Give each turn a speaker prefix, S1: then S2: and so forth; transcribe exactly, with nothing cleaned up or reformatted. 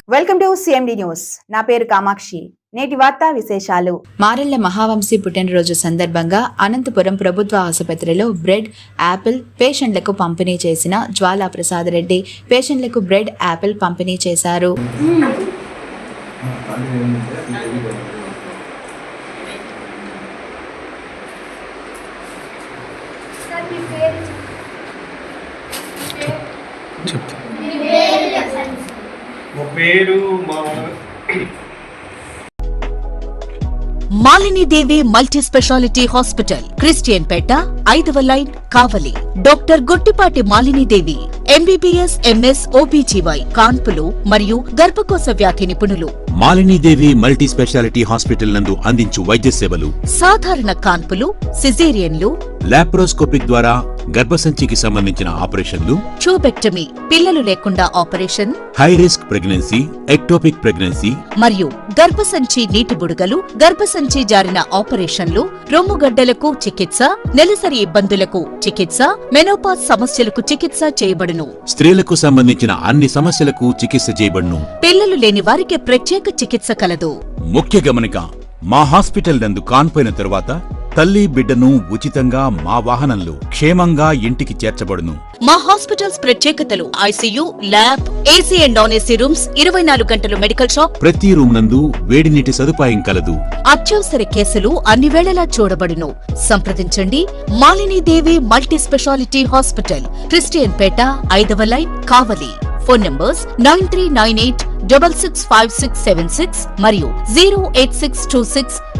S1: Welcome to CMD news. నా పేరు కామాక్షి. నేటి వార్తా విశేషాలు. మారెళ్ల మహావంశీ పుట్టినరోజు సందర్భంగా అనంతపురం ప్రభుత్వ ఆసుపత్రిలో బ్రెడ్, యాపిల్ పేషెంట్లకు పంపిణీ చేసిన జ్వాలా ప్రసాద్ రెడ్డి పేషెంట్లకు బ్రెడ్, యాపిల్ పంపిణీ చేశారు.
S2: Malini Devi multi speciality hospital, Christian పేట, ఐదవ line, Kavali. Doctor Gottipati Malini Devi MBBS, MS, OBGY, కాన్పులు మరియు గర్భకోశ వ్యాధి నిపుణులు.
S3: మాలినీదేవి మల్టీ స్పెషాలిటీ హాస్పిటల్ నందు అందించు వైద్య సేవలు:
S2: సాధారణ కాన్పులు, సిజేరియన్లు,
S3: లాప్రోస్కోపిక్ ద్వారా గర్భసంచికి సంబంధించిన ఆపరేషన్లు,
S2: ట్యూబెక్టమీ, పిల్లలు లేకుండా operation,
S3: high risk pregnancy, ectopic pregnancy
S2: మరియు గర్భసంచి నీటి బుడగలు, గర్భసంచి జారిన ఆపరేషన్లు, రొమ్ముగడ్డలకు చికిత్స, నెలసరి ఇబ్బందులకు చికిత్స, మెనోపాజ్ సమస్యలకు చికిత్స చేయబడును.
S3: స్త్రీలకు సంబంధించిన అన్ని సమస్యలకు చికిత్స చేయబడును.
S2: పిల్లలు లేని వారికి ప్రత్యేక చికిత్స కలదు.
S3: ముఖ్య గమనిక: మా హాస్పిటల్ నందు కాన్పోయిన తరువాత తల్లి బిడ్డను ఉచితంగా మా వాహనంలో క్షేమంగా ఇంటికి చేర్చబడును.
S2: మా హాస్పిటల్స్ ప్రత్యేకతలు: ICU, lab, AC and non AC rooms, ఇరవై నాలుగు గంటలు మెడికల్ షాప్,
S3: ప్రతి రూమ్ నందు వేడి నీటి సదుపాయం కలదు.
S2: అత్యవసర కేసులు అన్ని వేళలా చూడబడును. సంప్రదించండి. Malinidevi multi speciality hospital, Christian పేట, ఐదవ line, Kavali. Phone numbers nine three nine eight double six five six seven six మరియు zero eight six two six